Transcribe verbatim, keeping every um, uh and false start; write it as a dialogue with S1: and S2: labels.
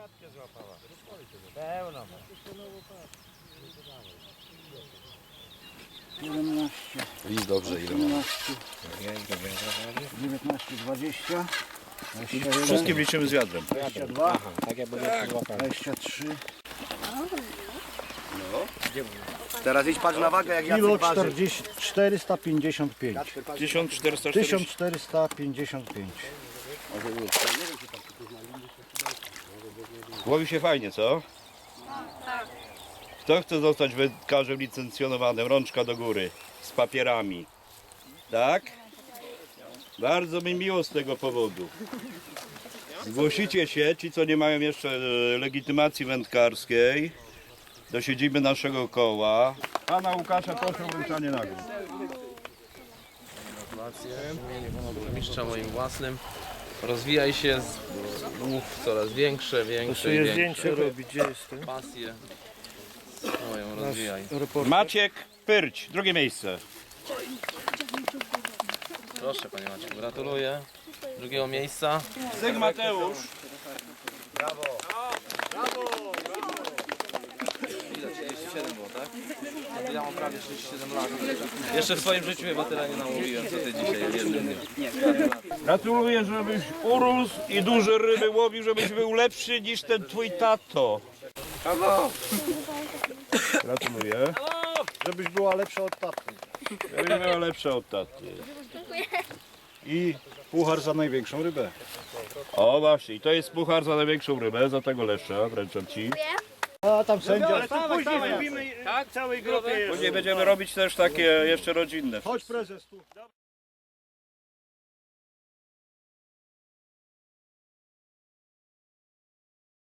S1: siatkę złapała. Pełno ma.
S2: siedemnaście,
S3: Widz dobrze ile ma.
S2: osiemnaście, dziewiętnaście, dwadzieścia, dwadzieścia jeden,
S3: Wszystkim liczymy z wiadrem.
S2: dwadzieścia dwa,
S1: Aha, tak jakby tak. złapała.
S2: dwadzieścia trzy,
S4: Teraz idź patrz na wagę, jak
S2: kilo
S4: Jacek waży.
S2: czterdzieści, czterysta pięćdziesiąt pięć.
S3: tysiąc czterysta
S2: tysiąc
S3: czterdzieści.
S2: czterysta pięćdziesiąt pięć.
S3: Łowi się fajnie, co? Kto chce zostać wędkarzem licencjonowanym? Rączka do góry. Z papierami. Tak? Bardzo mi miło z tego powodu. Zgłosicie się, ci co nie mają jeszcze e, legitymacji wędkarskiej, do siedziby naszego koła. Pana Łukasza proszę o wręczanie nagród.
S5: Gratulacje w imieniu pana burmistrza moim własnym. Rozwijaj się, łów coraz większe, większe i większe.
S1: robić, gdzie jestem?
S5: Pasję swoją rozwijaj.
S3: Maciek Pyrć, drugie miejsce.
S5: Proszę panie Maciek, gratuluję. Drugiego miejsca.
S3: Syg Mateusz.
S5: Ile? trzydzieści siedem było, tak? No to ja mam prawie trzydzieści siedem lat. Jeszcze w swoim życiu chyba tyle nie nałowiłem, co ty dzisiaj w jednym dniu.
S3: Gratuluję, żebyś urósł i duże ryby łowił, żebyś był lepszy niż ten twój tato. Gratuluję.
S2: Żebyś była lepsza od taty.
S3: Żebyś była lepsza od taty.
S2: I puchar za największą rybę.
S3: O właśnie, i to jest puchar za największą rybę, za tego lesza, wręczam ci.
S2: A tam sędzia.
S1: Później zrobimy całej grupie.
S3: Później będziemy robić też takie jeszcze rodzinne.
S2: Chodź prezes tu.